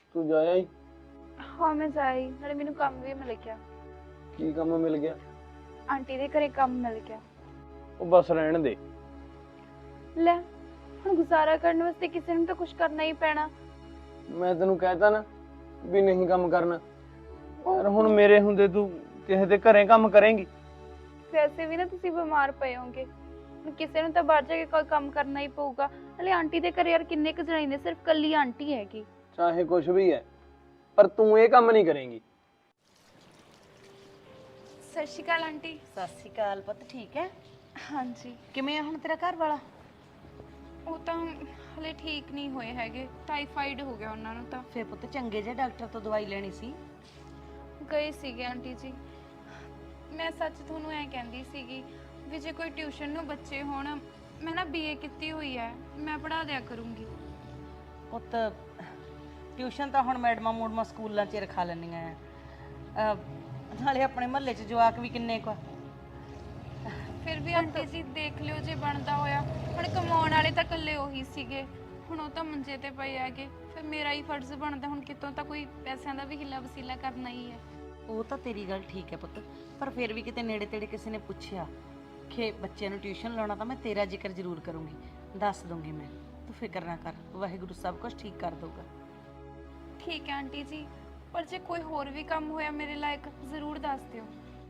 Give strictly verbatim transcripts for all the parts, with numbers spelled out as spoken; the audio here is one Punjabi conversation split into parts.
तू जाया ही? हाँ मैं जाई, नाले मैनू काम भी मिल गया। की काम मिल गया? आंटी दे घरे काम मिल गया। ਉਹ बस रहन दे। ले हुण गुजारा करने वास्ते किसी ने तो कुछ करना ही पैना। मैं तेनू कहता ना भी नहीं काम करना, ਉਹ यार हुण मेरे हुंदे तू किसे दे घरे काम करेंगी? वैसे भी ना तुसी बीमार पए होगे, हुण किसी ने तो बाहर जाके कोई काम करना ही पऊगा। नाले आंटी दे घरे यार किन्ने क जणे ने, सिर्फ कल्ली आंटी हैगी। चाहे कुछ भी है, पर तू ये काम नहीं करेंगी। सत श्री अकाल आंटी। सत श्री अकाल पुੱਤ ठीक है? हाँ जी। किवें आ ਹੁਣ ਤੇਰਾ ਘਰ ਵਾਲਾ? ਉਹ ਤਾਂ ਹਲੇ ਠੀਕ ਨਹੀਂ ਹੋਏ ਹੈਗੇ, ਟਾਈਫਾਈਡ ਹੋ ਗਿਆ ਉਹਨਾਂ ਨੂੰ। ਤਾਂ ਫੇਰ ਪੁੱਤ ਚੰਗੇ ਜਿਹੇ ਡਾਕਟਰ ਤੋਂ ਦਵਾਈ ਲੈਣੀ ਸੀ। ਗਏ ਸੀਗੇ ਆਂਟੀ ਜੀ। ਮੈਂ ਸੱਚ ਤੁਹਾਨੂੰ ਐ ਕਹਿੰਦੀ ਸੀਗੀ ਵੀ ਜੇ ਕੋਈ ਟਿਊਸ਼ਨ ਨੂੰ ਬੱਚੇ ਹੋਣ, ਮੈਂ ਨਾ ਬੀਏ ਕੀਤੀ ਹੋਈ ਹੈ, ਮੈਂ ਪੜ੍ਹਾ ਦਿਆ ਕਰੂੰਗੀ। ਪੁੱਤ ਟਿਊਸ਼ਨ ਤਾਂ ਹੁਣ ਮੈਡਮਾਂ ਮੂਡਮਾਂ ਸਕੂਲਾਂ 'ਚ ਰਖਾ ਲੈਂਦੀਆਂ ਆ, ਨਾਲੇ ਆਪਣੇ ਮਹੱਲੇ 'ਚ ਜਵਾਕ ਵੀ ਕਿੰਨੇ ਕੁ ਆ। ਫਿਰ ਵੀ ਆਂਟੀ ਜੀ ਦੇਖ ਲਿਓ ਜੇ ਬਣਦਾ ਹੋਇਆ। ਹੁਣ ਕਮਾਉਣ ਵਾਲੇ ਤਾਂ ਇਕੱਲੇ ਉਹੀ ਸੀਗੇ, ਹੁਣ ਉਹ ਤਾਂ ਮੰਜੇ ਤੇ ਪਏ ਹੈਗੇ। ਫਿਰ ਮੇਰਾ ਹੀ ਫਰਜ਼ ਬਣਦਾ ਹੁਣ ਕਿਤੋਂ ਤਾਂ ਕੋਈ ਪੈਸਿਆਂ ਦਾ ਵੀ ਹਿੱਲਾ ਵਸੀਲਾ ਕਰਨਾ ਹੀ ਹੈ। ਉਹ ਤਾਂ ਤੇਰੀ ਗੱਲ ਠੀਕ ਹੈ ਪੁੱਤ, ਪਰ ਫਿਰ ਵੀ ਕਿਤੇ ਨੇੜੇ ਤੇੜੇ ਕਿਸੇ ਨੇ ਪੁੱਛਿਆ ਕਿ ਬੱਚਿਆਂ ਨੂੰ ਟਿਊਸ਼ਨ ਲਾਉਣਾ ਤਾਂ ਮੈਂ ਤੇਰਾ ਜ਼ਿਕਰ ਜ਼ਰੂਰ ਕਰੂੰਗੀ, ਦੱਸ ਦੂੰਗੀ ਮੈਂ। ਤੂੰ ਫਿਕਰ ਨਾ ਕਰ, ਵਾਹਿਗੁਰੂ ਸਭ ਕੁਝ ਠੀਕ ਕਰ ਦਊਗਾ। ਠੀਕ ਹੈ ਆਂਟੀ ਜੀ, ਪਰ ਜੇ ਕੋਈ ਹੋਰ ਵੀ ਕੰਮ ਹੋਇਆ ਮੇਰੇ ਲਾਇਕ ਜ਼ਰੂਰ ਦੱਸ ਦਿਓ।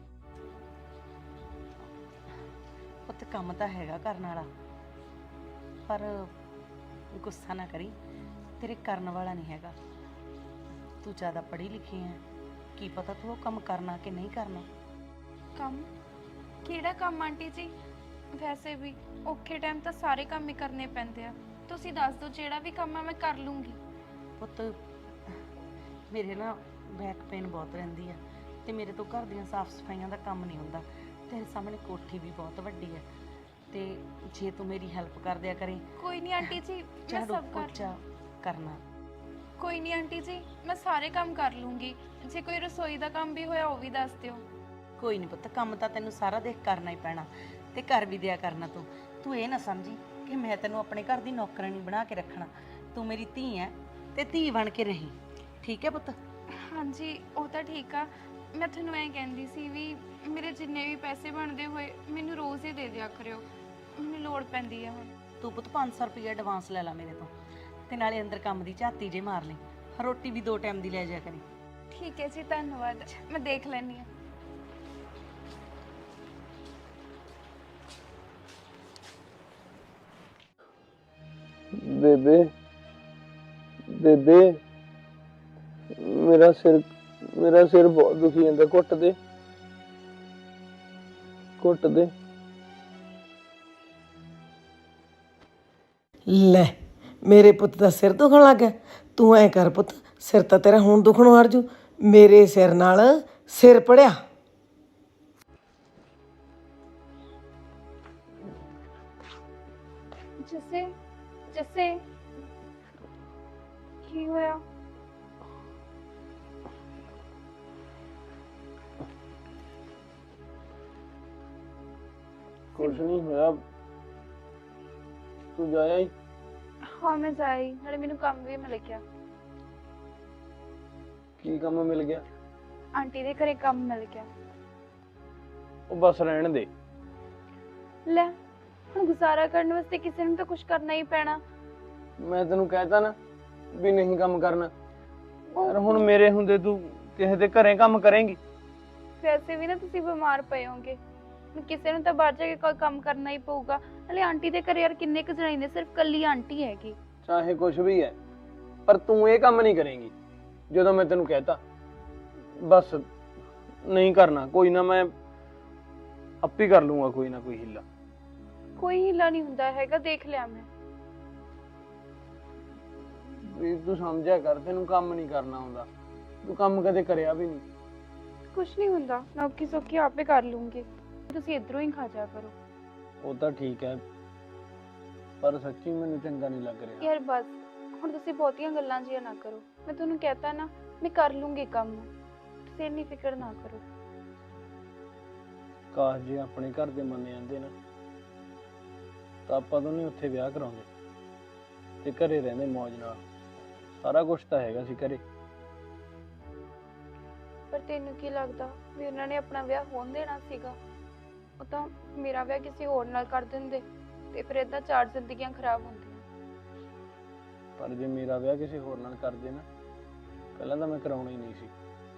ਪੁੱਤ ਕੰਮ ਤਾਂ ਹੈਗਾ ਕਰਨ ਵਾਲਾ, ਪਰ ਗੁੱਸਾ ਨਾ ਕਰੀ, ਤੇਰੇ ਕਰਨ ਵਾਲਾ ਨਹੀਂ ਹੈਗਾ। ਤੂੰ ਜ਼ਿਆਦਾ ਪੜ੍ਹੀ ਲਿਖੀ ਹੈ, ਕੀ ਪਤਾ ਤੂੰ ਉਹ ਕੰਮ ਕਰਨਾ ਕਿ ਨਹੀਂ ਕਰਨਾ। ਕੰਮ? ਕਿਹੜਾ ਕੰਮ ਆਂਟੀ ਜੀ? ਵੈਸੇ ਵੀ ਔਖੇ ਟਾਈਮ ਤਾਂ ਸਾਰੇ ਕੰਮ ਹੀ ਕਰਨੇ ਪੈਂਦੇ ਆ। ਤੁਸੀਂ ਦੱਸ ਦਿਓ, ਜਿਹੜਾ ਵੀ ਕੰਮ ਆ ਮੈਂ ਕਰ ਲੂੰਗੀ। ਪੁੱਤ ਮੇਰੇ ਨਾ ਬੈਕ ਪੇਨ ਬਹੁਤ ਰਹਿੰਦੀ ਆ, ਤੇ ਮੇਰੇ ਤੋਂ ਘਰ ਦੀਆਂ ਸਾਫ਼ ਸਫਾਈਆਂ ਦਾ ਕੰਮ ਨਹੀਂ ਹੁੰਦਾ। ਤੇਰੇ ਸਾਹਮਣੇ ਕੋਠੀ ਵੀ ਬਹੁਤ ਵੱਡੀ ਹੈ, ਤੇ ਜੇ ਤੂੰ ਮੇਰੀ ਹੈਲਪ ਕਰ ਦਿਆ ਕਰੇ। ਕੋਈ ਨਹੀਂ ਆਂਟੀ ਜੀ, ਮੈਂ ਝਾੜੂ ਸਭ ਕਰ ਪੋਚਾ ਕਰਨਾ। ਕੋਈ ਨਹੀਂ ਆਂਟੀ ਜੀ, ਮੈਂ ਸਾਰੇ ਕੰਮ ਕਰ ਲੂੰਗੀ। ਜੇ ਕੋਈ ਰਸੋਈ ਦਾ ਕੰਮ ਵੀ ਹੋਇਆ ਉਹ ਵੀ ਦੱਸ ਦਿਓ। ਕੋਈ ਨਹੀਂ ਪੁੱਤ, ਕੰਮ ਤਾਂ ਤੈਨੂੰ ਸਾਰਾ ਦੇਖ ਕਰਨਾ ਹੀ ਪੈਣਾ, ਤੇ ਕਰ ਵੀ ਦਿਆ ਕਰਨਾ। ਤੂੰ ਤੂੰ ਇਹ ਨਾ ਸਮਝੀ ਕਿ ਮੈਂ ਤੈਨੂੰ ਆਪਣੇ ਘਰ ਦੀ ਨੌਕਰਾਨੀ ਬਣਾ ਕੇ ਰੱਖਣਾ। ਤੂੰ ਮੇਰੀ ਧੀ ਹੈ ਤੇ ਧੀ ਬਣ ਕੇ ਰਹੀਂ, ਠੀਕ ਹੈ ਪੁੱਤ? ਹਾਂਜੀ ਉਹ ਤਾਂ ਠੀਕ ਆ। ਮੈਂ ਤੁਹਾਨੂੰ ਐਂ ਕਹਿੰਦੀ ਸੀ ਵੀ ਮੇਰੇ ਜਿੰਨੇ ਵੀ ਪੈਸੇ ਬਣਦੇ ਹੋਏ ਮੈਨੂੰ ਰੋਜ਼ ਹੀ ਦੇ ਦਿਆ ਕਰਿਓ, ਮੈਨੂੰ ਲੋੜ ਪੈਂਦੀ ਆ ਹੁਣ। ਤੂੰ ਪੁੱਤ ਪੰਜ ਸੌ ਰੁਪਏ ਐਡਵਾਂਸ ਲੈ ਲਾ ਮੇਰੇ ਤੋਂ, ਤੇ ਨਾਲੇ ਅੰਦਰ ਕੰਮ ਦੀ ਝਾਤੀ ਜੇ ਮਾਰ ਲਈ। ਰੋਟੀ ਵੀ ਦੋ ਟਾਈਮ ਦੀ ਲੈ ਜਾ ਕਰੀ। ਠੀਕ ਹੈ ਜੀ, ਧੰਨਵਾਦ, ਮੈਂ ਦੇਖ ਲੈਂਦੀ ਹਾਂ। बेबे बेबे मेरा सिर मेरा सिर बहुत दुखी है, घुट दे घुट दे। ਲੈ ਮੇਰੇ ਪੁੱਤ ਦਾ ਸਿਰ ਦੁਖਣ ਲੱਗ ਗਿਆ। ਤੂੰ ਐ ਕਰ ਪੁੱਤ, ਸਿਰ ਤਾਂ ਤੇਰਾ ਹੁਣ ਦੁਖਣੋਂ ਹਟ ਜੂ। ਮੇਰੇ ਸਿਰ ਨਾਲ ਸਿਰ ਪੜਿਆ। ਜੱਸੇ ਜੱਸੇ ਕੀ ਹੋਇਆ? कुछ नहीं होया, तू जाया ही? हाँ मैं जाई, नाले मैनू काम भी मिल गया। की काम मिल गया? आंटी दे घरे काम मिल गया। ਉਹ ਬਸ ਰਹਿਣ ਦੇ। ले हुण गुजारा करने वास्ते किसी ने तो कुछ करना ही पैना। मैं तेनू कहता ना भी नहीं काम करना, ਉਹ यार हुण मेरे हुंदे तू किसे दे घरे काम करेंगी? वैसे भी ना तुसी बीमार पए होगे, हुण किसी ने तो बाहर जाके कोई काम करना ही पऊगा। नाले आंटी दे घरे यार किन्ने क जणे ने, सिर्फ कल्ली आंटी हैगी। चाहे कुछ भी है, पर तू ये काम नहीं करेंगी जो मैं तेनू कहता। बस नहीं करना, कोई ना मैं आप ही कर लूंगा कोई ना कोई हिला। कोई हिला नहीं हुंदा हैगा, देख लिया मैं। भी तू समझा कर, तेनू काम नहीं करना आउंदा, तू काम कदे करया भी नहीं। कुछ नहीं हुंदा, मैं औखी सौखी आपे कर लूंगी, तुसी इधरों ही खा जा करो। वो तो ठीक है, पर सच्ची मैनू चंगा नहीं लग रहा यार बस हुण तुसी बहुतियां गल्लां जियां ना करो। मैं तुहानू कहता ना मैं कर लूंगी काम, तुसी इन्नी फिक्र ना करो। काश जे अपने घर दे मन्ने जांदे ना ਤਾਂ ਆਪਾਂ ਦੋਨੇ ਉੱਥੇ ਵਿਆਹ ਕਰਾਉਂਦੇ ਤੇ ਘਰੇ ਰਹਿੰਦੇ ਮौज ਨਾਲ। ਸਾਰਾ ਕੁਝ ਤਾਂ ਹੈਗਾ ਸੀ ਘਰੇ। ਪਰ ਤੈਨੂੰ ਕੀ ਲੱਗਦਾ ਵੀ ਉਹਨਾਂ ਨੇ ਆਪਣਾ ਵਿਆਹ ਹੋਣ ਦੇਣਾ ਸੀਗਾ? ਉਹ ਤਾਂ ਮੇਰਾ ਵਿਆਹ ਕਿਸੇ ਹੋਰ ਨਾਲ ਕਰ ਦਿੰਦੇ ਤੇ ਫਿਰ ਏਦਾਂ ਚਾਰ ਜ਼ਿੰਦਗੀਆਂ ਖਰਾਬ ਹੁੰਦੀਆਂ। ਪਰ ਜੇ ਮੇਰਾ ਵਿਆਹ ਕਿਸੇ ਹੋਰ ਨਾਲ ਕਰਦੇ ਨਾ, ਪਹਿਲਾਂ ਤਾਂ ਮੈਂ ਕਰਾਉਣਾ ਹੀ ਨਹੀਂ ਸੀ,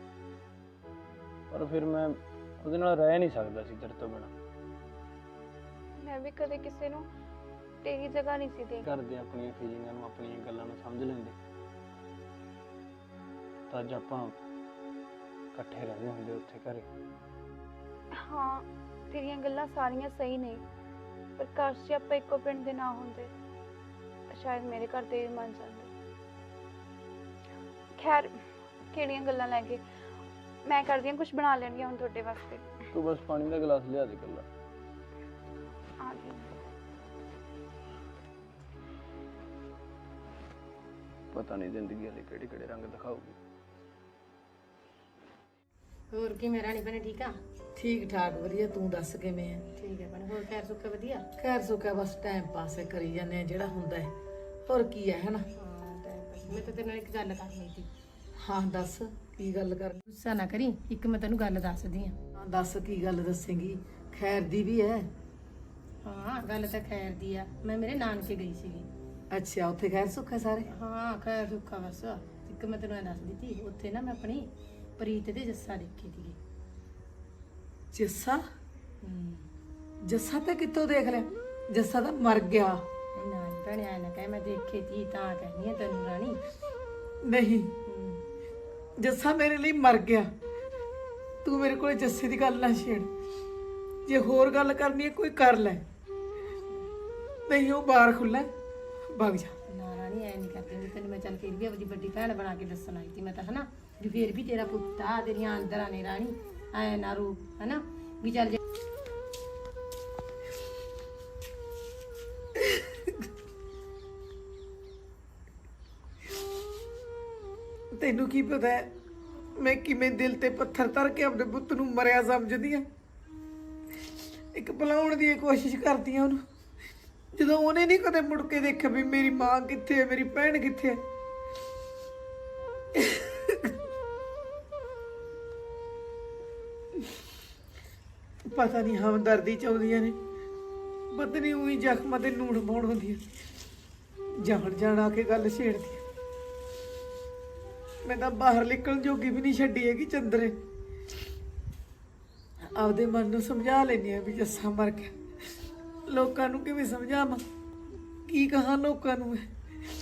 ਪਰ ਫਿਰ ਮੈਂ ਉਹਦੇ ਨਾਲ ਰਹਿ ਨਹੀਂ ਸਕਦਾ ਸੀ ਤੇਰੇ ਤੋਂ ਬਿਨਾਂ। ਮੈਂ ਵੀ ਕਦੇ ਕਿਸੇ ਨੂੰ ਤੇਰੀ ਜਗ੍ਹਾ ਨਹੀਂ ਸੀ ਦੇ ਕਰਦੇ ਆਪਣੀਆਂ ਫੀਲਿੰਗਾਂ ਨੂੰ, ਆਪਣੀਆਂ ਗੱਲਾਂ ਨੂੰ ਸਮਝ ਲੈਂਦੇ ਤਾਂ ਅੱਜ ਆਪਾਂ ਇਕੱਠੇ ਰਹਿੰਦੇ ਹੁੰਦੇ ਉੱਥੇ ਘਰੇ। ਹਾਂ, ਤੇਰੀਆਂ ਗੱਲਾਂ ਸਾਰੀਆਂ ਸਹੀ ਨੇ, ਪਰ ਕਾਸ਼ ਜੇ ਆਪਾਂ ਇੱਕੋ ਪਿੰਡ ਦੇ ਨਾ ਹੁੰਦੇ ਤਾਂ ਸ਼ਾਇਦ ਮੇਰੇ ਘਰ ਦੇ ਵੀ ਮੰਨ ਜਾਂਦੇ। ਖੈਰ, ਕਿਹੜੀਆਂ ਗੱਲਾਂ ਲੈ ਕੇ, ਮੈਂ ਕਰਦੀ ਹਾਂ ਕੁਝ ਬਣਾ ਲੈਣੀ ਹੁਣ ਤੁਹਾਡੇ ਵਾਸਤੇ। ਤੂੰ ਬਸ ਪਾਣੀ ਦਾ ਗਲਾਸ ਲਿਆ ਦੇ ਇਕੱਲਾ। ਆ ਗਈ। ਪਤਾ ਨਹੀਂ ਜ਼ਿੰਦਗੀ ਵਾਲੇ ਕਿਹੜੇ ਕਿਹੜੇ ਰੰਗ ਦਿਖਾਊਗੀ। ਹੋਰ ਕੀ ਮੇਰਾ ਨਹੀਂ ਬਣੇ? ਠੀਕ ਆ? ਠੀਕ ਠਾਕ ਵਧੀਆ, ਤੂੰ ਦੱਸ ਕਿਵੇਂ ਆ? ਠੀਕ ਹੈ ਬਣੇ। ਹੋਰ ਖੈਰ ਸੁੱਖਾ ਵਧੀਆ? ਖੈਰ ਸੁੱਕਾ ਬਸ ਟਾਈਮ ਪਾਸ ਹੀ ਕਰੀ ਜਾਂਦੇ ਆ ਜਿਹੜਾ ਹੁੰਦਾ ਹੈ, ਹੋਰ ਕੀ ਹੈ ਹਨਾ। ਹਾਂ ਟਾਈਮ ਪਾਸ। ਮੈਂ ਤਾਂ ਤੇਰੇ ਨਾਲ ਇੱਕ ਗੱਲ ਕਰਨੀ ਸੀ। ਹਾਂ ਦੱਸ ਕੀ ਗੱਲ ਕਰ? ਗੁੱਸਾ ਨਾ ਕਰੀ, ਇੱਕ ਮੈਂ ਤੈਨੂੰ ਗੱਲ ਦੱਸਦੀ ਆ। ਹਾਂ ਦੱਸ ਕੀ ਗੱਲ ਦੱਸੇਂਗੀ? ਖੈਰ ਦੀ ਵੀ ਹੈ? ਹਾਂ ਗੱਲ ਤਾਂ ਖੈਰ ਦੀ ਆ। ਮੈਂ ਮੇਰੇ ਨਾਨਕੇ ਗਈ ਸੀਗੀ। ਅੱਛਾ, ਉੱਥੇ ਖੈਰ ਸੁੱਖ ਹੈ ਸਾਰੇ? ਹਾਂ ਖੈਰ ਸੁੱਖਾ ਬਸ। ਇੱਕ ਮੈਂ ਤੈਨੂੰ ਇਹ ਦੱਸਦੀ ਸੀ, ਉੱਥੇ ਨਾ ਮੈਂ ਆਪਣੀ ਪ੍ਰੀਤ ਦੇ ਜੱਸਾ ਦੇਖੀ ਸੀਗੀ। ਜੱਸਾ? ਹੂੰ। ਜੱਸਾ ਤਾਂ ਕਿੱਥੋਂ ਦੇਖ ਲਿਆ? ਜੱਸਾ ਤਾਂ ਮਰ ਗਿਆ। ਨਾ ਭੈਣੇ ਐ ਨਾ ਕਹਿ, ਮੈਂ ਦੇਖੀ ਸੀ ਤਾਂ ਕਹਿੰਦੀ ਆ ਤੈਨੂੰ ਰਾਣੀ। ਨਹੀਂ, ਹੂੰ। ਜੱਸਾ ਮੇਰੇ ਲਈ ਮਰ ਗਿਆ। ਤੂੰ ਮੇਰੇ ਕੋਲ ਜੱਸੇ ਦੀ ਗੱਲ ਨਾ ਛੇੜ। ਜੇ ਹੋਰ ਗੱਲ ਕਰਨੀ ਹੈ ਕੋਈ ਕਰ ਲੈ, ਨਹੀਂ ਉਹ ਬਾਹਰ ਖੁੱਲਾ, ਭੱਗ ਜਾ। ਨਾ ਰਾਣੀ ਐ ਨਹੀਂ ਕਰਦੀ ਹੁੰਦੀ ਤੈਨੂੰ ਮੈਂ। ਚੱਲ ਫਿਰ ਵੀ ਆਪਣੀ ਵੱਡੀ ਭੈਣ ਬਣਾ ਕੇ ਦੱਸਣ ਆਈ ਸੀ ਮੈਂ ਤਾਂ, ਹਨਾ ਵੀ ਫੇਰ ਵੀ ਤੇਰਾ ਪੁੱਤ ਆ, ਤੇਰੀਆਂ ਅੰਦਰਾਂ ਨੇ ਰਾਣੀ, ਐ ਨਾ ਰੂ, ਹਨਾ ਵੀ ਚੱਲ ਜੇ ਤੈਨੂੰ ਕੀ ਪਤਾ ਹੈ ਮੈਂ ਕਿਵੇਂ ਦਿਲ ਤੇ ਪੱਥਰ ਧਰ ਕੇ ਆਪਣੇ ਪੁੱਤ ਨੂੰ ਮਰਿਆ ਸਮਝਦੀ ਆ। ਇੱਕ ਭੁਲਾਉਣ ਦੀ ਕੋਸ਼ਿਸ਼ ਕਰਦੀ ਆ ਉਹਨੂੰ, ਜਦੋਂ ਉਹਨੇ ਨਹੀਂ ਕਦੇ ਮੁੜ ਕੇ ਦੇਖਿਆ ਵੀ ਮੇਰੀ ਮਾਂ ਕਿੱਥੇ ਹੈ, ਮੇਰੀ ਭੈਣ ਕਿੱਥੇ ਹੈ। ਪਤਾ ਨਹੀਂ ਹਮਦਰਦੀ ਚਾਹੁੰਦੀਆਂ ਨੇ, ਪਤਾ ਨਹੀਂ ਉਹੀ ਜ਼ਖਮਾਂ ਤੇ ਨੂਣ ਪਾਉਣ ਹੁੰਦੀਆਂ, ਜਾਣ ਜਾਣ ਆ ਕੇ ਗੱਲ ਛੇੜਦੀ। ਮੈਂ ਤਾਂ ਬਾਹਰ ਨਿਕਲਣ ਜੋਗੀ ਵੀ ਨਹੀਂ ਛੱਡੀ ਹੈਗੀ ਚੰਦਰੇ। ਆਪਦੇ ਮਨ ਨੂੰ ਸਮਝਾ ਲੈਂਦੀ ਆ ਵੀ ਜੱਸਾ ਮਰ ਗਿਆ। ਲੋਕਾਂ ਨੂੰ ਕਿਵੇਂ ਸਮਝਾਵਾਂ, ਕੀ ਕਹਾਂ ਲੋਕਾਂ ਨੂੰ ਮੈਂ?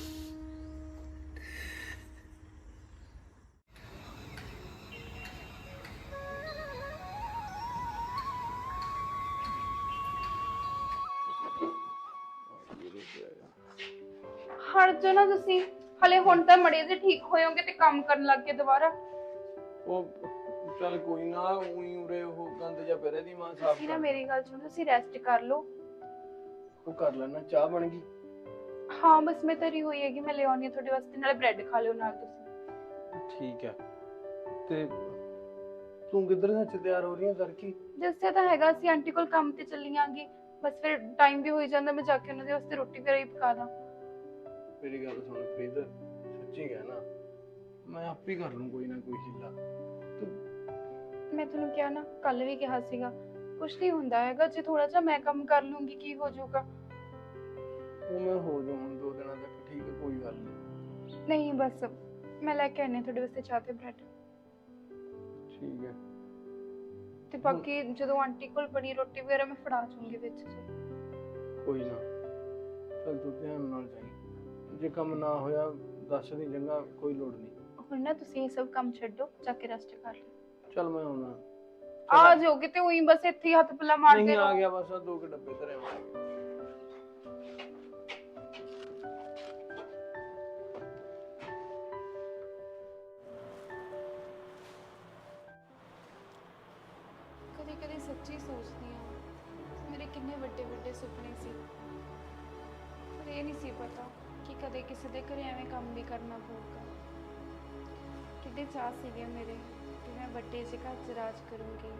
ਹਟ ਜਾਓ ਨਾ ਤੁਸੀਂ, ਹਲੇ ਹੁਣ ਤਾਂ ਮੜੇ ਜੇ ਠੀਕ ਹੋਇਓਗੇ ਤੇ ਕੰਮ ਕਰਨ ਲੱਗ ਗਏ ਦੁਬਾਰਾ। ਉਹ ਚੱਲ ਕੋਈ ਨਾ, ਉਹੀ ਉਰੇ ਉਹ ਗੰਦ ਜਿਹਾ ਪਿਆ ਦੀ ਮਾਂ ਸਾਫ ਤੁਸੀਂ ਨਾ ਮੇਰੀ ਗੱਲ ਸੁਣੋ, ਤੁਸੀਂ ਰੈਸਟ ਕਰ ਲਓ। ਉਹ ਕਰ ਲੈਣਾ। ਚਾਹ ਬਣ ਗਈ? ਹਾਂ ਬਸ ਮੈਂ ਧਰੀ ਹੋਈ ਹੈਗੀ, ਮੈਂ ਲੈ ਆਉਣੀ ਆ ਤੁਹਾਡੇ ਵਾਸਤੇ, ਨਾਲੇ ਬ੍ਰੈਡ ਖਾ ਲਿਓ ਨਾਲ ਤੁਸੀਂ। ਠੀਕ ਹੈ। ਤੇ ਤੂੰ ਕਿੱਧਰ ਸੱਚ ਤਿਆਰ ਹੋ ਰਹੀ ਹੈ ਤੜਕੀ? ਜਿਸਸੇ ਤਾਂ ਹੈਗਾ ਸੀ ਆਂਟੀ ਕੋਲ ਕੰਮ ਤੇ ਚੱਲੀ ਆਂਗੀ, ਬਸ ਫਿਰ ਟਾਈਮ ਵੀ ਹੋਈ ਜਾਂਦਾ, ਮੈਂ ਜਾ ਕੇ ਉਹਨਾਂ ਦੇ ਵਾਸਤੇ ਰੋਟੀ ਵਗੈਰਾ ਹੀ ਪਕਾ ਦਾਂ। ਮੇਰੀ ਗੱਲ ਸੁਣ ਪ੍ਰੀਤ, ਸੱਚੀ ਕਹਿਣਾ, ਮੈਂ ਆਪ ਹੀ ਕਰ ਲੂੰ ਕੋਈ ਨਾ ਕੋਈ ਹਿੱਲਾ। ਤੂੰ ਮੈਂ ਤੁਹਾਨੂੰ ਕਿਹਾ ਨਾ, ਕੱਲ ਵੀ ਕਿਹਾ ਸੀਗਾ, ਕੁਛ ਨਹੀਂ ਹੁੰਦਾ ਹੈਗਾ, ਜੇ ਥੋੜਾ ਜਿਹਾ ਮੈਂ ਕੰਮ ਕਰ ਲੂੰਗੀ ਕੀ ਹੋ ਜਾਊਗਾ। ਉਹ ਮੈਂ ਹੋ ਜਾਊਂ ਹੁਣ ਦੋ ਦਿਨਾਂ ਤੱਕ, ਠੀਕ ਹੈ ਕੋਈ ਗੱਲ ਨਹੀਂ। ਨਹੀਂ ਬਸ ਮੈਂ ਲੈ ਕੇ ਆਨੇ ਤੁਹਾਡੇ ਵਾਸਤੇ ਚਾਹ ਤੇ ਬ੍ਰੈਡ। ਠੀਕ ਹੈ। ਤੇ ਬਾਕੀ ਜਦੋਂ ਆਂਟੀ ਕੋਲ ਬਣੀ ਰੋਟੀ ਵਗੈਰਾ ਮੈਂ ਫੜਾ ਜੂੰਗੀ ਵਿੱਚ ਜੀ। ਕੋਈ ਨਾ, ਚੱਲ ਤੂੰ ਧਿਆਨ ਨਾਲ ਜਾਈਂ, ਜੇ ਕੰਮ ਨਾ ਹੋਇਆ ਦੱਸ ਦੀ, ਚੰਗਾ? ਕੋਈ ਲੋੜ ਨਹੀਂ। ਹੁਣ ਨਾ ਤੁਸੀਂ ਇਹ ਸਭ ਕੰਮ ਛੱਡੋ, ਜਾ ਕੇ ਰੈਸਟ ਕਰ ਲਓ। ਚੱਲ ਮੈਂ ਆਉਣਾ। ਆ ਜਾਓਗੇ ਤੇ ਉਹੀ ਬਸ ਇੱਥੇ ਹੀ ਹੱਥ ਪੱਲਾ ਮਾਰਦੇ ਨਹੀਂ, ਆ ਰਹੋ। ਗਿਆ ਬਸ, ਆ ਦੋ ਕੇ ਡੱਬੇ ਧਰੇ ਆਵਾਂਗੇ। ਕਦੇ ਕਦੇ ਸੱਚੀ ਸੋਚਦੀ ਹਾਂ, ਮੇਰੇ ਕਿੰਨੇ ਵੱਡੇ ਵੱਡੇ ਸੁਪਨੇ ਸੀ, ਪਰ ਇਹ ਨਹੀਂ ਸੀ ਪਤਾ ਕਿ ਕਦੇ ਕਿਸੇ ਦੇ ਘਰੇ ਐਵੇਂ ਕੰਮ ਵੀ ਕਰਨਾ ਪਊਗਾ। ਕਿੰਨੇ ਚਾਅ ਸੀਗੇ ਮੇਰੇ ਕਿ ਮੈਂ ਵੱਡੇ ਜਿਹੇ ਘਰ 'ਚ ਰਾਜ ਕਰੂੰਗੀ,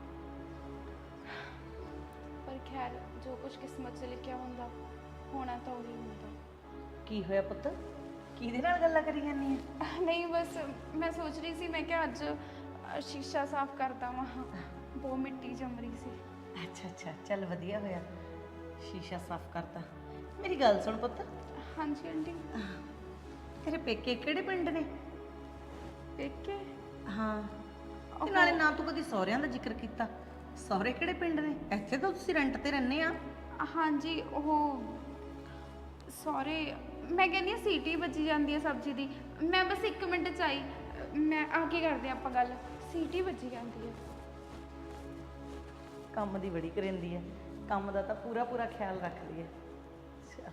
ਪਰ ਖੈਰ ਜੋ ਕੁਝ ਕਿਸਮਤ 'ਚ ਲਿਖਿਆ ਹੁੰਦਾ ਹੋਣਾ ਤਾਂ ਉਹੀ ਹੁੰਦਾ। ਕੀ ਹੋਇਆ ਪੁੱਤ? ਕਿਹਦੇ ਨਾਲ ਗੱਲਾਂ ਕਰੀ ਜਾਂਦੀ ਆ? ਨਹੀਂ ਬਸ ਮੈਂ ਸੋਚ ਰਹੀ ਸੀ, ਮੈਂ ਕਿਹਾ ਅੱਜ ਅ, ਸ਼ੀਸ਼ਾ ਸਾਫ਼ ਕਰਦਾ ਵਾਂ, ਬਹੁਤ ਮਿੱਟੀ ਜੰਮ ਰਹੀ ਸੀ। ਅੱਛਾ ਅੱਛਾ, ਚੱਲ ਵਧੀਆ ਹੋਇਆ ਸ਼ੀਸ਼ਾ ਸਾਫ਼ ਕਰਤਾ। ਮੇਰੀ ਗੱਲ ਸੁਣ ਪੁੱਤ, ਹਾਂਜੀ ਆਂਟੀ। ਤੇਰੇ ਪੇਕੇ ਕਿਹੜੇ ਪਿੰਡ ਨੇ? ਪੇਕੇ? ਹਾਂ, ਤੇ ਨਾਲੇ ਨਾ ਤੂੰ ਕਦੀ ਸਹੁਰਿਆਂ ਦਾ ਜ਼ਿਕਰ ਕੀਤਾ। ਸਹੁਰੇ ਕਿਹੜੇ ਪਿੰਡ ਨੇ? ਇੱਥੇ ਤਾਂ ਤੁਸੀਂ ਰੈਂਟ ਤੇ ਰਹਿੰਦੇ ਆ। ਹਾਂਜੀ ਉਹ ਸੌਰੀ, ਮੈਂ ਕਹਿੰਦੀ ਹਾਂ ਸੀਟੀ ਵੱਜੀ ਜਾਂਦੀ ਹੈ ਸਬਜ਼ੀ ਦੀ। ਮੈਂ ਬਸ ਇੱਕ ਮਿੰਟ ਚ ਆਈ, ਮੈਂ ਆ ਕੇ ਕਰਦੇ ਆਪਾਂ ਗੱਲ। ਸੀਟੀ ਵੱਜੀ ਜਾਂਦੀ ਹੈ। ਕੰਮ ਦੀ ਬੜੀ ਕਰਿੰਦੀ ਹੈ, ਕੰਮ ਦਾ ਤਾਂ ਪੂਰਾ ਪੂਰਾ ਖਿਆਲ ਰੱਖਦੀ ਹੈ। ਅੱਛਾ,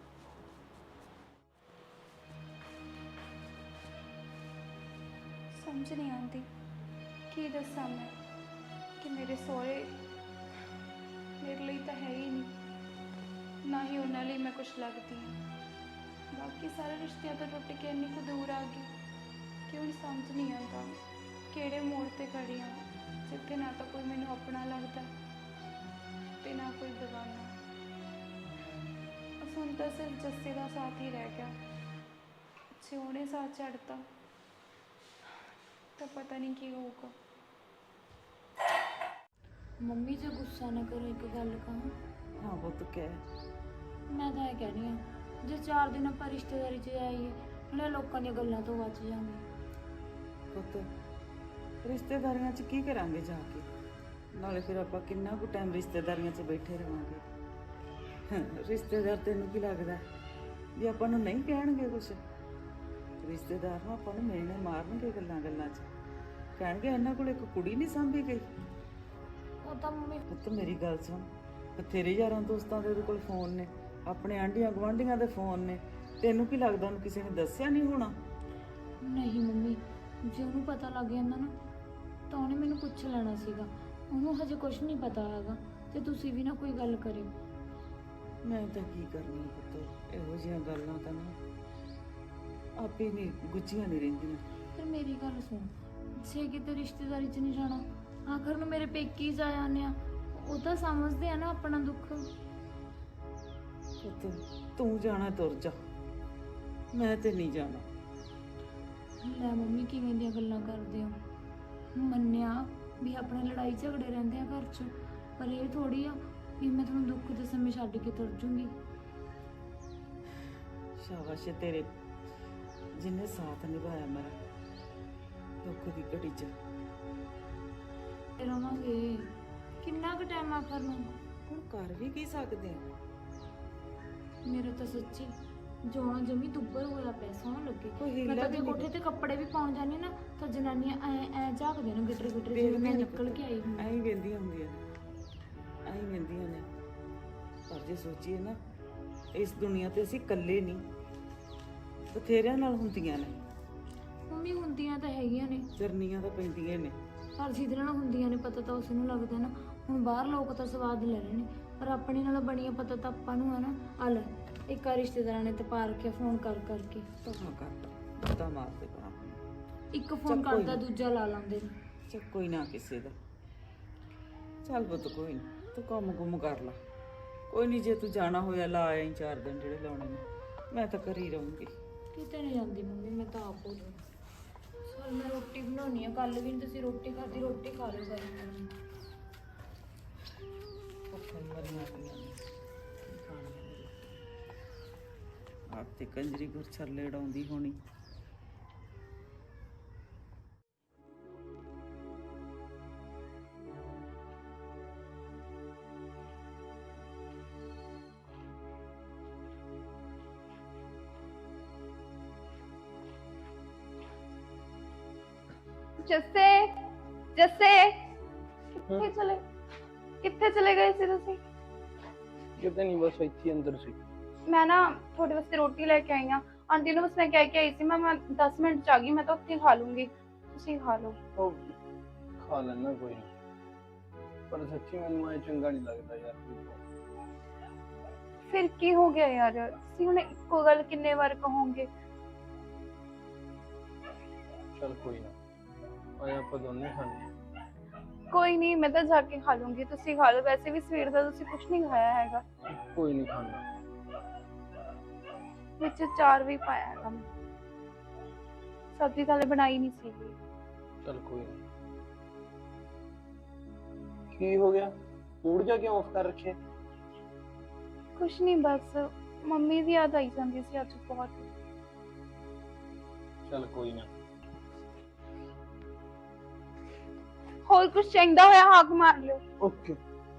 ਸਮਝ ਨਹੀਂ ਆਉਂਦੀ ਕੀ ਦੱਸਾਂ ਮੈਂ ਕਿ ਮੇਰੇ ਸਹੁਰੇ ਮੇਰੇ ਲਈ ਤਾਂ ਹੈ ਹੀ ਨਹੀਂ, ਨਾ ਹੀ ਉਹਨਾਂ ਲਈ ਮੈਂ ਕੁਛ ਲੱਗਦੀ ਹਾਂ। ਬਾਕੀ ਸਾਰੇ ਰਿਸ਼ਤਿਆਂ ਤੋਂ ਟੁੱਟ ਕੇ ਇੰਨੀ ਕੁ ਦੂਰ ਆ ਗਈ ਕਿ ਹੁਣ ਸਮਝ ਨਹੀਂ ਆਉਂਦਾ ਕਿਹੜੇ ਮੋੜ ਤੇ ਖੜੀ ਹਾਂ, ਜਿੱਥੇ ਨਾ ਤਾਂ ਕੋਈ ਮੈਨੂੰ ਆਪਣਾ ਲੱਗਦਾ ਤੇ ਨਾ ਕੋਈ ਬੇਗਾਨਾ। ਬਸ ਹੁਣ ਤਾਂ ਸਿਰਫ ਜੱਸੇ ਦਾ ਸਾਥ ਹੀ ਰਹਿ ਗਿਆ। ਜੇ ਉਹਨੇ ਸਾਥ ਛੱਡਤਾ ਤਾਂ ਪਤਾ ਨਹੀਂ ਕੀ ਹੋਊਗਾ। ਮੰਮੀ ਜੇ ਗੁੱਸਾ ਨਾ ਕਰੋ, ਇੱਕ ਗੱਲ ਕਹਾਂ। ਹਾਂ ਪੁੱਤ ਕਹਿ। ਮੈਂ ਤਾਂ ਇਹ ਕਹਿਣੀ ਆ, ਜੇ ਚਾਰ ਦਿਨ ਆਪਾਂ ਰਿਸ਼ਤੇਦਾਰੀ 'ਚ ਆਈਏ ਨਾਲੇ ਲੋਕਾਂ ਦੀਆਂ ਗੱਲਾਂ ਤੋਂ ਬਚ ਜਾਵਾਂਗੇ। ਪੁੱਤ ਰਿਸ਼ਤੇਦਾਰੀਆਂ 'ਚ ਕੀ ਕਰਾਂਗੇ ਜਾ ਕੇ? ਨਾਲੇ ਫਿਰ ਆਪਾਂ ਕਿੰਨਾ ਕੁ ਟਾਈਮ ਰਿਸ਼ਤੇਦਾਰੀਆਂ 'ਚ ਬੈਠੇ ਰਹਾਂਗੇ? ਰਿਸ਼ਤੇਦਾਰ ਤੈਨੂੰ ਕੀ ਲੱਗਦਾ ਵੀ ਆਪਾਂ ਨੂੰ ਨਹੀਂ ਕਹਿਣਗੇ ਕੁਛ? ਰਿਸ਼ਤੇਦਾਰ ਨੂੰ ਆਪਾਂ ਨੂੰ ਮਿਲਣੇ ਮਾਰਨਗੇ ਗੱਲਾਂ ਗੱਲਾਂ 'ਚ, ਕਹਿਣਗੇ ਇਹਨਾਂ ਕੋਲ ਇੱਕ ਕੁੜੀ ਨਹੀਂ ਸਾਂਭੀ ਗਈ। ਉਹ ਤਾਂ ਮੰਮੀ ਪੁੱਤ ਮੇਰੀ ਗੱਲ ਸੁਣ, ਬਥੇਰੇ ਯਾਰਾਂ ਦੋਸਤਾਂ ਦੇ ਉਹਦੇ ਕੋਲ ਫੋਨ ਨੇ, ਆਪਣੇ ਆਂਢੀਆਂ ਗੁਆਂਢੀਆਂ ਦੇ ਫੋਨ ਨੇ। ਤੈਨੂੰ ਕੀ ਲੱਗਦਾ ਉਹਨੂੰ ਕਿਸੇ ਨੇ ਦੱਸਿਆ ਨਹੀਂ ਹੋਣਾ? ਨਹੀਂ ਮੰਮੀ, ਜੇ ਉਹਨੂੰ ਪਤਾ ਲੱਗ ਜਾਂਦਾ ਨਾ ਤਾਂ ਉਹਨੇ ਮੈਨੂੰ ਪੁੱਛ ਲੈਣਾ ਸੀਗਾ। ਉਹਨੂੰ ਹਜੇ ਕੁਝ ਨਹੀਂ ਪਤਾ ਹੈਗਾ, ਤੇ ਤੁਸੀਂ ਵੀ ਨਾ ਕੋਈ ਗੱਲ ਕਰਿਓ। ਮੈਂ ਤਾਂ ਕੀ ਕਰਨੀ ਪੁੱਤ, ਇਹੋ ਜਿਹੀਆਂ ਗੱਲਾਂ ਤਾਂ ਨਾ ਆਪੇ ਨਹੀਂ ਗੁੱਝੀਆਂ ਨਹੀਂ ਰਹਿੰਦੀਆਂ। ਫਿਰ ਮੇਰੀ ਗੱਲ ਸੁਣ, ਜੇ ਕਿਤੇ ਰਿਸ਼ਤੇਦਾਰੀ 'ਚ ਨਹੀਂ ਜਾਣਾ, ਆਖਰ ਨੂੰ ਮੇਰੇ ਪੇਕੇ ਹੀ ਜਾ ਜਾਂਦੇ ਆ। ਉਹ ਤਾਂ ਸਮਝਦੇ ਆ ਨਾ ਆਪਣਾ ਦੁੱਖ। ਪੁੱਤ ਤੂੰ ਜਾਣਾ ਤੁਰ ਜਾ, ਮੈਂ ਤੇ ਨਹੀਂ ਜਾਣਾ। ਲੈ ਮੰਮੀ ਕਿਵੇਂ ਦੀਆਂ ਗੱਲਾਂ ਕਰਦੇ ਹੋ? ਮੰਨਿਆ ਵੀ ਆਪਣੇ ਲੜਾਈ ਝਗੜੇ ਰਹਿੰਦੇ ਆ ਘਰ 'ਚ, ਪਰ ਇਹ ਥੋੜੀ ਆ ਵੀ ਮੈਂ ਤੁਹਾਨੂੰ ਦੁੱਖ ਦੇ ਸਮੇਂ ਛੱਡ ਕੇ ਤੁਰ ਜੂੰਗੀ। ਸ਼ਾਬਾਸ਼ ਏ ਤੇਰੇ, ਜਿੰਨੇ ਸਾਥ ਨਿਭਾਇਆ ਮੇਰਾ ਦੁੱਖ ਦੀ ਘੜੀ 'ਚ। ਤੇ ਰਵਾਂਗੇ ਕਿੰਨਾ ਕੁ ਟਾਈਮ ਆਖਰ ਨੂੰ? ਹੁਣ ਕਰ ਵੀ ਕੀ ਸਕਦੇ ਆ? ਮੇਰਾ ਤਾਂ ਸੱਚੀ ਜੋਣਾ ਜਮੀ ਦੁੱਬਰ ਹੋਇਆ ਪਿਆ, ਸੋਹਣਾ ਲੱਗੇ। ਕੋਈ ਮੈਂ ਹੀਲਾ ਤਾਂ ਵੀ ਜੇ ਨਹੀਂ ਕੋਠੇ ਤੇ ਕੱਪੜੇ ਵੀ ਪਾਉਣ ਜਾਂਦੀ ਨਾ ਤਾਂ ਜਨਾਨੀਆਂ ਐ ਐ ਝਾਕਦੇ ਨੇ ਗਿੱਟਰ ਗਿੱਟਰ, ਜਿਵੇਂ ਮੈਂ ਨਿਕਲ ਕੇ ਆਈ ਹੁੰਦੀ। ਐਂ ਹੀ ਵੇਂਦੀਆਂ ਹੁੰਦੀਆਂ ਨੇ, ਐਂ ਹੀ ਵੇਂਦੀਆਂ ਨੇ। ਪਰ ਜੇ ਸੋਚੀਏ ਨਾ, ਇਸ ਦੁਨੀਆ ਤੇ ਅਸੀਂ ਇਕੱਲੇ ਨਹੀਂ, ਬਥੇਰਿਆਂ ਨਾਲ ਹੁੰਦੀਆਂ ਨੇ। ਮੰਮੀ ਹੁੰਦੀਆਂ ਤਾਂ ਹੈਗੀਆਂ ਨੇ, ਚਰਨੀਆਂ ਤਾਂ ਪੈਂਦੀਆਂ ਨੇ। ਪਰ ਜਿਹਦੇ ਨਾਲ ਹੁੰਦੀਆਂ ਨੇ ਪਤਾ ਤਾਂ ਉਸ ਨੂੰ ਲੱਗਦਾ ਨਾ। ਹੁਣ ਬਾਹਰ ਲੋਕ ਤਾਂ ਸਵਾਦ ਲੈ ਰਹੇ ਨੇ, ਪਰ ਆਪਣੇ ਨਾਲ ਬਣੀਆਂ ਪਤਾ ਤਾਂ ਆਪਾਂ ਨੂੰ ਹੈ ਨਾ। ਆ ਲੈ ਇੱਕ ਆ ਰਿਸ਼ਤੇਦਾਰਾਂ ਨੇ ਤੇ ਪਾ ਰੱਖਿਆ ਫੋਨ ਕਰ ਕਰਕੇ। ਧਮਾ ਕਰਦਾ ਤਾਂ ਮਾਰਦੇ ਪਾ, ਇੱਕ ਫੋਨ ਚੱਲ ਕੋਈ ਕਰਦਾ ਨੀ। ਦੂਜਾ ਲਾ ਲਾਉਂਦੇ ਨੇ। ਚੱਲ ਕੋਈ ਨਾ ਕਿਸੇ ਦਾ। ਚੱਲ ਪੁੱਤ ਕੋਈ ਨੀ, ਤੂੰ ਕੰਮ ਕੁੰਮ ਕਰ ਲਾ। ਕੋਈ ਨਹੀਂ, ਜੇ ਤੂੰ ਜਾਣਾ ਹੋਇਆ ਲਾ ਆਈ ਚਾਰ ਦਿਨ ਜਿਹੜੇ ਲਾਉਣੇ ਨੇ। ਮੈਂ ਤਾਂ ਘਰ ਹੀ ਰਹੂੰਗੀ। ਕਿਤੇ ਨਹੀਂ ਜਾਂਦੀ ਮੰਮੀ, ਮੈਂ ਤਾਂ ਆਪ ਹੋ ਜਾਣਾ। ਚਲ ਮੈਂ ਰੋਟੀ ਬਣਾਉਣੀ ਆ, ਕੱਲ ਵੀ ਨੀ ਤੁਸੀਂ ਰੋਟੀ ਖਾਦੀ, ਰੋਟੀ ਖਾ ਲਿਓ ਗਰਮ ਗਰਮ। ਭੁੱਖਾਂ ਮਰੀਆਂ ਪਈਆਂ ਨੇ, ਕੀ ਖਾਣੀ ਆ ਮੇਰੀ। ਆਪ ਤੇ ਕੰਜਰੀ ਗੁਰ ਛੱਲੇ ਉਡਾਉਂਦੀ ਹੋਣੀ। ਜੱਸੇ ਜੱਸੇ ਕਿੱਥੇ ਚਲੇ ਕਿੱਥੇ ਚਲੇ ਗਏ ਸੀ ਤੁਸੀਂ? ਕਿਤੇ ਨਹੀਂ, ਬਸ ਇੱਥੇ ਹੀ ਅੰਦਰ ਸੀ। ਮੈਂ ਨਾ ਤੁਹਾਡੇ ਵਾਸਤੇ ਰੋਟੀ ਲੈ ਕੇ ਆਈ ਆ। ਆਂਟੀ ਨੂੰ ਬਸ ਮੈਂ ਕਹਿ ਕੇ ਆਈ ਸੀ, ਮੈਂ ਮੈਂ ਦਸ ਮਿੰਟ ਚ ਆ ਗਈ। ਮੈਂ ਤਾਂ ਉੱਥੇ ਖਾ ਲੂੰਗੀ, ਤੁਸੀਂ ਖਾ ਲਓ। ਉਹ ਖਾ ਲੈਣਾ ਕੋਈ ਨਹੀਂ, ਪਰ ਸੱਚੀ ਮੈਨੂੰ ਐ ਚੰਗਾ ਨਹੀਂ ਲੱਗਦਾ ਯਾਰ। ਫਿਰ ਕੀ ਹੋ ਗਿਆ ਯਾਰ? ਤੁਸੀਂ ਹੁਣ ਇੱਕੋ ਗੱਲ ਕਿੰਨੇ ਵਾਰ ਕਹੋਗੇ? ਚਲ ਕੋਈ ਨਾ, ਆਏ ਆਪਾਂ ਦੋਨੇ ਖਾਣੇ। ਕੋਈ ਨਹੀਂ, ਮੈਂ ਤਾਂ ਜਾ ਕੇ ਖਾ ਲੂੰਗੀ, ਤੁਸੀਂ ਖਾ ਲਓ। ਵੈਸੇ ਵੀ ਸਵੇਰ ਦਾ ਤੁਸੀਂ ਕੁਝ ਨਹੀਂ ਖਾਇਆ ਹੈਗਾ। ਕੋਈ ਨਹੀਂ ਖਾਣਾ। ਵਿੱਚ ਚਾਰ ਵੀ ਪਾਇਆ ਹੈਗਾ ਮੈਂ। ਸਬਜ਼ੀ ਤਾਂ ਹਲੇ ਬਣਾਈ ਨਹੀਂ ਸੀਗੀ। ਚਲ ਕੋਈ ਨਹੀਂ। ਕੀ ਹੋ ਗਿਆ? ਮੂਡ ਜਾ ਕਿਉਂ ਆਫ ਕਰ ਰੱਖਿਆ? ਕੁਛ ਨਹੀਂ, ਬਸ ਮੰਮੀ ਦੀ ਯਾਦ ਆਈ ਜਾਂਦੀ ਸੀ ਅੱਜ ਬਹੁਤ। ਚਲ ਕੋਈ ਨਾ। ਹੋਰ ਕੁਛ ਚਾਹੀਦਾ ਹੋਇਆ ਹਾਕ ਮਾਰ ਲਿਓ। ਓਕੇ।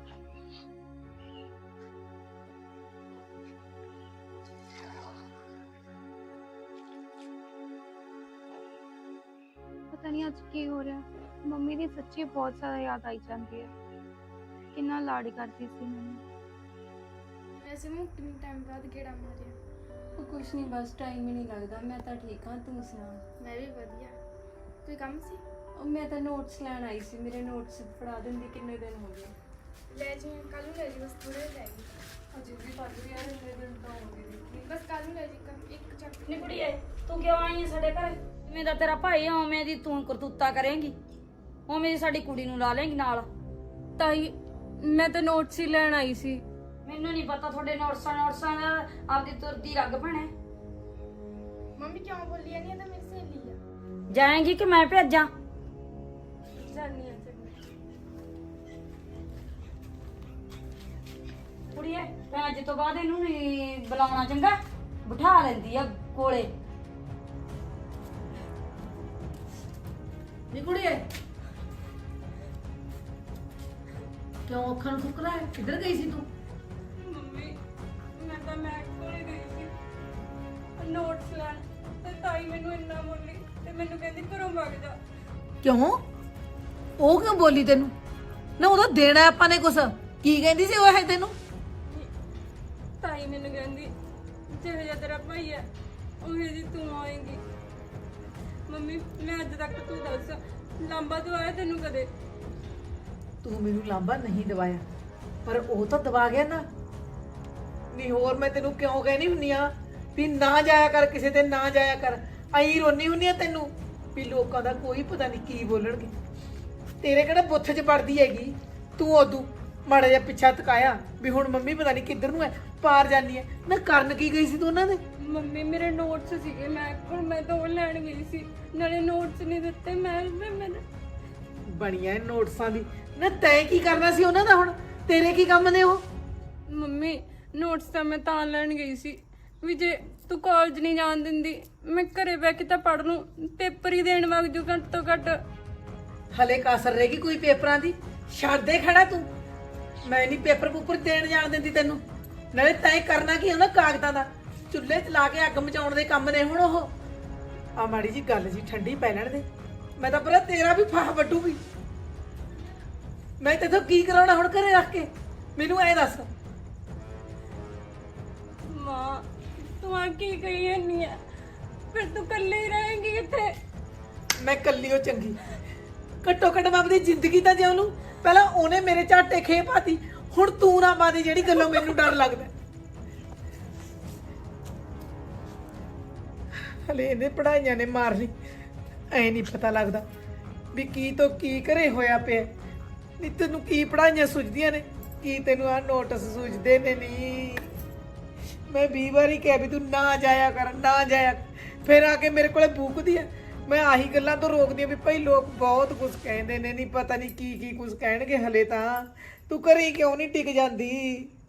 ਪਤਾ ਨਹੀਂ ਅੱਜ ਕੀ ਹੋ ਰਿਹਾ, ਮੰਮੀ ਦੀ ਸੱਚੀ ਬਹੁਤ ਜ਼ਿਆਦਾ ਯਾਦ ਆਈ ਜਾਂਦੀ ਹੈ। ਕਿੰਨਾ ਲਾਡ ਕਰਦੀ ਸੀ ਮੈਨੂੰ। ਵੈਸੇ ਮੈਂ ਕਿੰਨੇ ਟਾਈਮ ਬਾਅਦ ਗੇੜਾ ਮਾਰਿਆ। ਉਹ ਕੁਛ ਨਹੀਂ, ਬਸ ਟਾਈਮ ਹੀ ਨਹੀਂ ਲੱਗਦਾ। ਮੈਂ ਤਾਂ ਠੀਕ ਹਾਂ, ਤੂੰ ਸੁਣਾ? ਮੈਂ ਵੀ ਵਧੀਆ। ਕੋਈ ਕੰਮ ਸੀ? ਉਹ ਮੈਂ ਤਾਂ ਨੋਟਸ ਲੈਣ ਆਈ ਸੀ, ਮੇਰੇ ਨੋਟਸ ਫੜਾ ਦਿੰਦੀ, ਕਿੰਨੇ ਦਿਨ ਹੋ ਗਏ। ਲੈ ਜੀ, ਕੱਲ ਨੂੰ ਲੈ ਜੀ, ਬਸ ਥੋੜੇ ਲੈ ਜੀ। ਅਜੇ ਵੀ ਪੜ ਰਹੀ ਆ, ਇੰਨੇ ਦਿਨ ਤਾਂ ਹੋ ਗਏ ਦੇਖੀ। ਬਸ ਕੱਲ ਨੂੰ ਲੈ ਜੀ, ਕੰਮ ਇੱਕ ਚੱਕ। ਨੀ ਕੁੜੀਏ, ਤੂੰ ਕਿਉਂ ਆਈ ਹੈ ਸਾਡੇ ਘਰ? ਜਿਵੇਂ ਦਾ ਤੇਰਾ ਭਾਈ ਆ ਉਵੇਂ ਦੀ ਤੂੰ ਕਰਤੂਤਾ ਕਰੇਂਗੀ, ਉਵੇਂ ਦੀ ਸਾਡੀ ਕੁੜੀ ਨੂੰ ਲਾ ਲੇਂਗੀ ਨਾਲ। ਤਾਈ ਮੈਂ ਤਾਂ ਨੋਟਸ ਹੀ ਲੈਣ ਆਈ ਸੀ। ਮੈਨੂੰ ਨਹੀਂ ਪਤਾ ਤੁਹਾਡੇ ਨੋਟਸਾਂ ਨੋਟਸਾਂ ਦਾ, ਆਪਦੀ ਤੁਰਦੀ ਰੱਗ ਭਣੇ। ਮੰਮੀ ਕਿਉਂ ਬੋਲੀ ਜਾਂਦੀ ਹੈ? ਤਾਂ ਮੇਰੀ ਸਹੇਲੀ ਆ। ਜਾਏਂਗੀ ਕਿ ਮੈਂ ਭੇਜਾਂ? ਜਾਨੀ ਆ ਤੇ ਕੁੜੀਏ, ਮੈਂ ਅੱਜ ਤੋਂ ਬਾਅਦ ਇਹਨੂੰ ਨਹੀਂ ਬੁਲਾਉਣਾ, ਚੰਗਾ? ਬਿਠਾ ਲੈਂਦੀ ਆ ਕੋਲੇ। ਨੀ ਕੁੜੀਏ, ਕਿਉਂ ਅੱਖਾਂ ਨੂੰ ਫੁਕਰਾ ਹੈ? ਕਿੱਧਰ ਗਈ ਸੀ ਤੂੰ? ਮੰਮੀ, ਮੈਂ ਤਾਂ ਮੈਂ ਕੋਲੇ ਗਈ ਸੀ ਨੋਟਸ ਲੈਣ, ਤੇ ਤਾਈ ਮੈਨੂੰ ਇੰਨਾ ਬੋਲੀ ਤੇ ਮੈਨੂੰ ਕਹਿੰਦੀ ਘਰੋਂ ਵਗ ਜਾ। ਕਿਉਂ? ਉਹ ਕਿਉਂ ਬੋਲੀ ਤੈਨੂੰ? ਨਾ ਉਹਦਾ ਦੇਣਾ ਆਪਾਂ ਨੇ ਕੁਛ। ਕੀ ਕਹਿੰਦੀ ਸੀ ਉਹ ਇਹ ਤੈਨੂੰ? ਤਾਈ ਮੈਨੂੰ ਕਹਿੰਦੀ ਜਿਹੋ ਜਿਹਾ ਤੇਰਾ ਭਾਈ ਹੈ ਉਹੀ ਜੀ ਤੂੰ ਆਏਂਗੀ। ਮੰਮੀ, ਮੈਂ ਅੱਜ ਤੱਕ ਤੂੰ ਦੱਸ ਲਾਂਬਾ ਦਵਾਇਆ ਤੈਨੂੰ ਕਦੇ? ਤੂੰ ਮੈਨੂੰ ਲਾਂਬਾ ਨਹੀਂ ਦਵਾਇਆ, ਪਰ ਉਹ ਤਾਂ ਦਵਾ ਗਿਆ ਨਾ। ਨਹੀਂ ਹੋਰ ਮੈਂ ਤੈਨੂੰ ਕਿਉਂ ਕਹਿਣੀ ਹੁੰਨੀ ਆ ਵੀ ਨਾ ਜਾਇਆ ਕਰ ਕਿਸੇ ਤੇ, ਨਾ ਜਾਇਆ ਕਰ। ਆਈ ਰੋਣੀ ਹੁੰਨੀ ਆ ਤੈਨੂੰ ਵੀ ਲੋਕਾਂ ਦਾ ਕੋਈ ਪਤਾ ਨਹੀਂ ਕੀ ਬੋਲਣਗੇ। ਤੇਰੇ ਕਿਹੜਾ ਬੁੱਥ 'ਚ ਪੜਦੀ ਹੈਗੀ? ਤੂੰ ਉਦੋਂ ਮਾੜਾ ਜਿਹਾ ਪਿੱਛਾ ਤਕਾਇਆ ਵੀ ਹੁਣ ਮੰਮੀ ਪਤਾ ਨਹੀਂ ਕਿੱਧਰ ਨੂੰ ਹੈ, ਪਾਰ ਜਾਨੀ ਹੈ। ਨਾ ਕਰਨ ਕੀ ਗਈ ਸੀ ਤੂੰ ਉਹਨਾਂ ਦੇ? ਮੰਮੀ, ਮੇਰੇ ਨੋਟਸ ਸੀਗੇ, ਮੈਂ ਹੁਣ ਮੈਂ ਤਾਂ ਉਹ ਲੈਣ ਗਈ ਸੀ, ਨਾਲੇ ਨੋਟਸ ਨਹੀਂ ਦਿੱਤੇ। ਮੈਂ ਮੈਂ ਮੈਂ ਬਣੀਆਂ ਨੋਟਸਾਂ ਦੀ। ਨਾ ਤੈਂ ਕੀ ਕਰਨਾ ਸੀ ਉਹਨਾਂ ਦਾ? ਹੁਣ ਤੇਰੇ ਕੀ ਕੰਮ ਨੇ ਉਹ? ਮੰਮੀ, ਨੋਟਸ ਤਾਂ ਮੈਂ ਤਾਂ ਲੈਣ ਗਈ ਸੀ ਵੀ ਜੇ ਤੂੰ ਕਾਲਜ ਨਹੀਂ ਜਾਣ ਦਿੰਦੀ, ਮੈਂ ਘਰੇ ਬਹਿ ਕੇ ਤਾਂ ਪੜ੍ਹ ਲੂੰ, ਪੇਪਰ ਹੀ ਦੇਣ ਵਗ ਜੂ ਘੱਟ ਤੋਂ ਘੱਟ। ਹਲੇ ਕਸਰ ਰਹੇਗੀ ਕੋਈ ਪੇਪਰਾਂ ਦੀ? ਛੱਡ ਦੇ ਖੜਾ ਤੂੰ। ਮੈਂ ਨਹੀਂ ਪੇਪਰ ਪੂਪਰ ਦੇਣ ਜਾਣ ਦਿੰਦੀ ਤੈਨੂੰ। ਨਾਲੇ ਤੈਂ ਕਰਨਾ ਕੀ ਉਹਨਾਂ ਕਾਗਜ਼ਾਂ ਦਾ? ਚੁੱਲ੍ਹੇ 'ਚ ਲਾ ਕੇ ਅੱਗ ਮਚਾਉਣ ਦੇ ਕੰਮ ਨੇ ਹੁਣ ਉਹ। ਆ ਮਾੜੀ ਜੀ ਗੱਲ ਜੀ ਠੰਡੀ ਪੈ ਲੈਣ ਦੇ। ਮੈਂ ਤਾਂ ਪੂਰਾ ਤੇਰਾ ਵੀ ਫਾਹ ਵੱਢੂਗੀ। ਮੈਂ ਤੈਥੋਂ ਕੀ ਕਰਾਉਣਾ ਹੁਣ ਘਰੇ ਰੱਖ ਕੇ? ਮੈਨੂੰ ਐ ਦੱਸ। ਮਾਂ, ਤੂੰ ਆ ਕੀ ਕਹੀ ਜਾਂਦੀ ਆ? ਫਿਰ ਤੂੰ ਇਕੱਲੇ ਹੀ ਰਹੇਂਗੀ ਕਿੱਥੇ? ਮੈਂ ਕੱਲੀ ਉਹ ਚੰਗੀ। ਘੱਟੋ ਘੱਟ ਮੈਂ ਆਪਣੀ ਜ਼ਿੰਦਗੀ ਤਾਂ ਜਿਉਂ ਲੂੰ। ਪਹਿਲਾਂ ਉਹਨੇ ਮੇਰੇ ਝਾਟੇ ਖੇ ਪਾਤੀ, ਹੁਣ ਤੂੰ ਨਾ ਪਾਦੀ ਜਿਹੜੀ ਗੱਲੋਂ ਮੈਨੂੰ ਡਰ ਲੱਗਦਾ। ਹਲੇ ਇਹਨੇ ਪੜਾਈਆਂ ਨੇ ਮਾਰ ਲਈ। ਐ ਨਹੀਂ ਪਤਾ ਲੱਗਦਾ ਵੀ ਕੀ ਤੋਂ ਕੀ ਘਰੇ ਹੋਇਆ ਪਿਆ। ਨਹੀਂ ਤੈਨੂੰ ਕੀ ਪੜਾਈਆਂ ਸੁਝਦੀਆਂ ਨੇ, ਕੀ ਤੈਨੂੰ ਆ ਨੋਟਿਸ ਸੁਝਦੇ ਨੇ? ਨਹੀਂ, ਮੈਂ ਵੀਹ ਵਾਰੀ ਕਿਹਾ ਵੀ ਤੂੰ ਨਾ ਜਾਇਆ ਕਰ, ਨਾ ਜਾਇਆ ਕਰ। ਫਿਰ ਆ ਕੇ ਮੇਰੇ ਕੋਲੇ ਬੂਕਦੀ ਆ। ਮੈਂ ਆਹੀ ਗੱਲਾਂ ਤੋਂ ਰੋਕਦੀ ਆ ਵੀ ਭਾਈ ਲੋਕ ਬਹੁਤ ਕੁਝ ਕਹਿੰਦੇ ਨੇ, ਨਹੀਂ ਪਤਾ ਨਹੀਂ ਕੀ ਕੀ ਕੁਝ ਕਹਿਣਗੇ। ਹਲੇ ਤਾਂ ਤੂੰ ਘਰੇ ਕਿਉਂ ਨਹੀਂ ਟਿਕ ਜਾਂਦੀ?